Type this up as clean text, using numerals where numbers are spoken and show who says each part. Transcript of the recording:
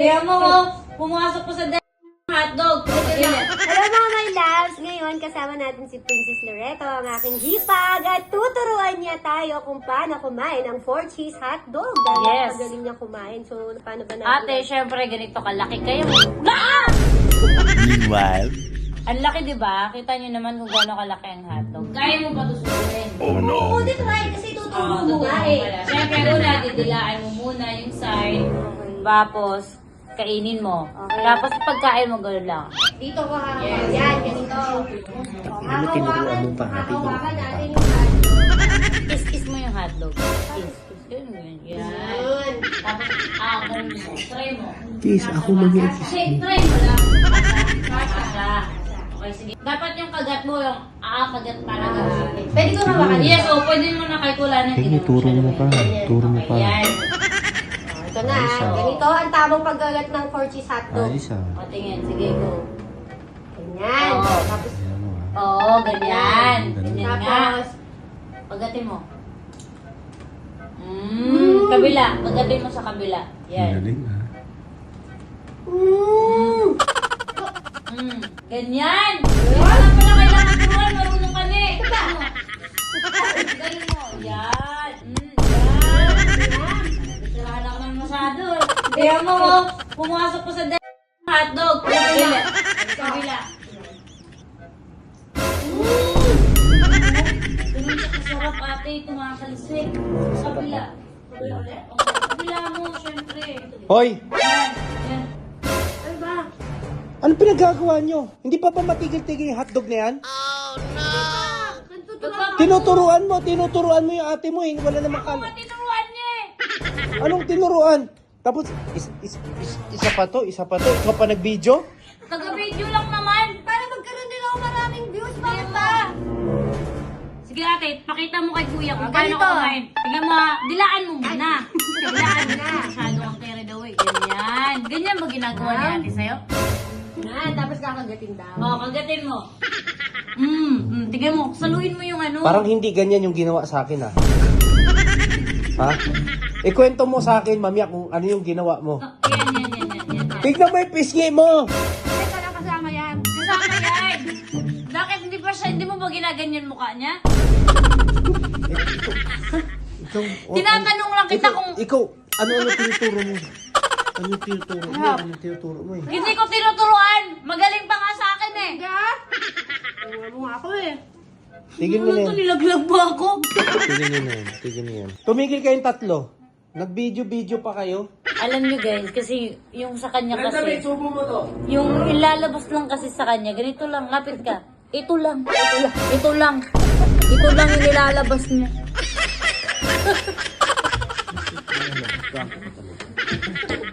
Speaker 1: Kaya mo, pumasok ko sa hotdog.
Speaker 2: Hello mga my loves! Ngayon kasama natin si Princess Loreto, ang aking hipag, at tuturuan niya tayo kung paano kumain ng 4-cheese hotdog. Dahil
Speaker 1: Yes.
Speaker 2: magaling niya kumain. So, paano ba natin?
Speaker 1: Ate, syempre, ganito kalaki kayo.
Speaker 3: Meanwhile,
Speaker 1: Ang laki, di ba? Kita nyo naman kung gaano kalaki ang hotdog. Kaya mo pa tusunin.
Speaker 2: Oo, di try kasi tuturo mo nga eh.
Speaker 1: Siyempre, una, didilaan mo muna yung side. Tapos, kainin mo.
Speaker 2: Okay.
Speaker 1: Tapos, pagkain mo, gano'n lang.
Speaker 2: Dito ka.
Speaker 1: Yes.
Speaker 2: Yan, ganito.
Speaker 3: ano tinuruan mo pa ate?
Speaker 2: Hawakan natin yung hotdog.
Speaker 1: Is mo yung hotdog. Is. Ganun. Yan.
Speaker 2: Yun.
Speaker 1: Tapos, ganun mo. Try mo.
Speaker 3: Please, ako mag-i-kiss
Speaker 1: Kasi,
Speaker 3: mo.
Speaker 1: try mo lang. Kasha. Okay, sige. Dapat yung kagat mo, yung kagat talaga.
Speaker 2: Pwede ko hawakan.
Speaker 1: Yes, pwede mo na kahit wala na.
Speaker 3: Kaya turo mo pa. Turo mo pa.
Speaker 1: Yan.
Speaker 2: Ito na. Ganito ang tamang paggagat ng 4-cheese hotdog.
Speaker 3: Ayos ah.
Speaker 1: O, tingin. Sige, go.
Speaker 2: Ganyan.
Speaker 1: Oo.
Speaker 2: Tapos,
Speaker 3: Ayan mo ah.
Speaker 1: Oo, ganyan.
Speaker 3: Ganun.
Speaker 1: Ganyan nga.
Speaker 2: tapos,
Speaker 1: Pagatin mo. Kabila. Pagatin mo sa kabila.
Speaker 3: Ang
Speaker 1: Yan.
Speaker 3: galing ah.
Speaker 1: Ganyan. Wala pala kailangan turuan. Marunong ka na eh. Ganyan mo. Yan. Yan. Sirahan ako ng masyado eh. Kaya mo, pumasok ko sa hotdog. Kabila. Kabila. Ganun siya kasarap ate. Tumakalisik. Sa kabila. Kabila mo, syempre.
Speaker 3: Hoy!
Speaker 1: Yan. Yan.
Speaker 2: ano ba?
Speaker 3: Ano pinagagawa nyo? Hindi pa ba matigil-tigil yung hotdog na yan? Tinuturuan mo yung ate mo eh. Wala namang kala.
Speaker 1: Tinuruan niya eh.
Speaker 3: Anong tinuruan? Tapos, isa pa to. Ikaw pa nag-video?
Speaker 1: Taga-video lang naman.
Speaker 2: Para magkaroon din ako maraming views. Bakit ba?
Speaker 1: Sige ate, pakita mo kay kuya kung paano
Speaker 2: Ganito.
Speaker 1: kumain. Tingnan mo, dilaan mo muna. Dilaan mo na. Masyado kang carried away. Ganyan. Ganyan ba ginagawa ni ate sa'yo?
Speaker 2: Na, tapos kakagatin daw.
Speaker 1: Oo, kagatin mo. Tingnan mo, saluhin mo yung ano.
Speaker 3: Parang hindi ganyan yung ginawa sa akin ah. Ha? Ikwento mo sa akin, mamaya, kung ano yung ginawa mo.
Speaker 1: Yan.
Speaker 3: Tignan mo yung pisngi mo!
Speaker 2: Teka lang kasama yan.
Speaker 1: Kasama yan. Bakit hindi mo ba ginaganyan mukha niya?
Speaker 3: Ikaw,
Speaker 1: Tinatanong lang kita kung...
Speaker 3: Ikaw, ano tinuturo mo? Ano tinuturo mo eh?
Speaker 1: Hindi ko tinuturuan. Magaling pa nga sa akin eh.
Speaker 2: Ano nga ako eh.
Speaker 3: Tigil mo na yan.
Speaker 1: Nilaglag ba ako?
Speaker 3: Tigil nyo yan. Tumigil kayong tatlo. Nag-video pa kayo.
Speaker 1: Alam nyo guys, kasi yung sa kanya kasi, yung ilalabas lang kasi sa kanya, ganito lang, lapit ka. Ito lang yung ilalabas niya.